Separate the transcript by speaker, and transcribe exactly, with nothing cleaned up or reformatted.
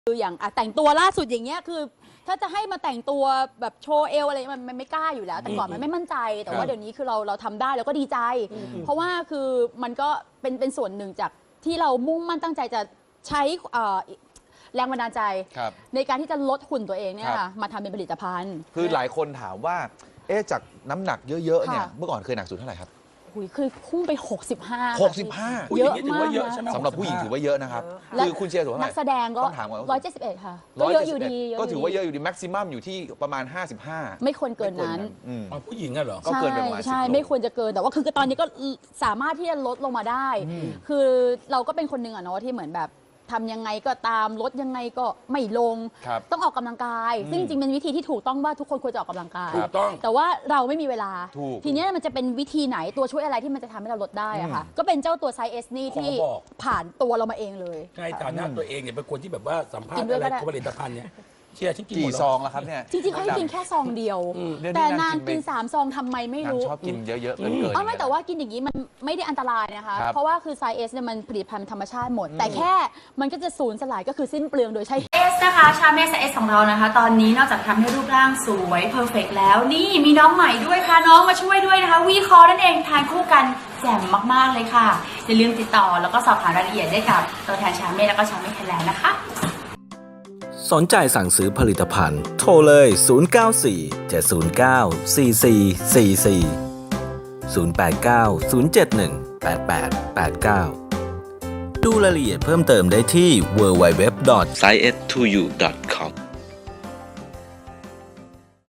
Speaker 1: คืออย่างแต่งตัวล่าสุดอย่างเงี้ยคือถ้าจะให้มาแต่งตัวแบบโชว์เอวอะไรมันมันไม่กล้าอยู่แล้วแต่ก่อนมันไม่มั่นใจแต่ว่าเดี๋ยวนี้คือเราเราทำได้แล้วก็ดีใจเพราะว่าคือมันก็เป็นเป็นส่วนหนึ่งจากที่เรามุ่งมั่นตั้งใจจะใช้แรงบันดาลใจในการที่จะลดหุ่นตัวเองเนี่ยค่ะมาทำเป็นผลิตภัณฑ์
Speaker 2: คือหลายคนถามว่าเอ๊ะจากน้ำหนักเยอะๆเนี่ยเมื่อก่อนเคยหนักสุดเท่าไหร่ครับ
Speaker 1: คือพุ่งไปหกสิบห้า
Speaker 2: หกสิบห้า
Speaker 1: เยอะมาก
Speaker 2: สำหรับผู้หญิงถือว่าเยอะนะครับคือคุณเชียร์สูงเท่าไหร่
Speaker 1: นักแสดงก็ร้อยเจ็ดสิบเอ็ดค่ะก็เยอะอยู่ดี
Speaker 2: ก็ถือว่าเยอะอยู่ดีแม็กซิมัมอยู่ที่ประมาณห้าสิบห้า
Speaker 1: ไม่ควรเกินนั้น
Speaker 3: ผู้หญิงอะเหรอ
Speaker 2: ก็เกินไปประมาณ
Speaker 1: ใช่ไม่ควรจะเกินแต่ว่าคือตอนนี้ก็สามารถที่จะลดลงมาได้คือเราก็เป็นคนหนึ่งอะเนาะที่เหมือนแบบทำยังไงก็ตามลดยังไงก็ไม่ลงต้องออกกำลังกายซึ่งจริงเป็นวิธีที่ถูกต้องว่าทุกคนควรจะออกกำลังกายแต่ว่าเราไม่มีเวลาทีนี้มันจะเป็นวิธีไหนตัวช่วยอะไรที่มันจะทำให้เราลดได้อะค่ะก็เป็นเจ้าตัวไซส์เอสนี่ที่ผ่านตัวเรามาเองเลย
Speaker 3: ในฐานะตัวเองเนี่ยเป็นคนที่แบบว่าสัมภาษณ์อะไรผลิตภัณฑ์เนี่ยเชียร์ฉันกิน
Speaker 2: กี่ซองแล้วครับเนี่ย
Speaker 1: จริงๆเขาให้กินแค่ซองเดียวแต่นางกินสามซองทำไมไม่รู้
Speaker 2: ชอบกินเยอะๆเกินเกิน
Speaker 1: ไม่แต่ว่ากินอย่างนี้มันไม่ได้อันตรายนะคะเพราะว่าคือไซส์เอสเนี่ยมันผลิตภัณฑ์ธรรมชาติหมดแต่แค่มันก็จะสูญสลายก็คือสิ้นเปลืองโดยใช้
Speaker 4: เอสนะคะชาเมสเอสของเรานะคะตอนนี้นอกจากทำให้รูปร่างสวยเพอร์เฟกต์แล้วนี่มีน้องใหม่ด้วยค่ะน้องมาช่วยด้วยนะคะวีคอนั่นเองทานคู่กันแจ่มมากๆเลยค่ะอย่าลืมติดต่อแล้วก็สอบถามรายละเอียดได้กับตัวแทนชาเมสแล้วก็ชาเมสไทยแลนด์นะคะ
Speaker 5: สนใจสั่งซื้อผลิตภัณฑ์โทรเลยศูนย์ เก้า สี่ เจ็ด ศูนย์ เก้า สี่ สี่ สี่ สี่ ศูนย์ แปด เก้า ศูนย์ เจ็ด หนึ่ง แปด แปด แปด เก้า ดูรายละเอียดเพิ่มเติมได้ที่ ดับเบิลยู ดับเบิลยู ดับเบิลยู ดอท ไซเอส ทู ยู ดอท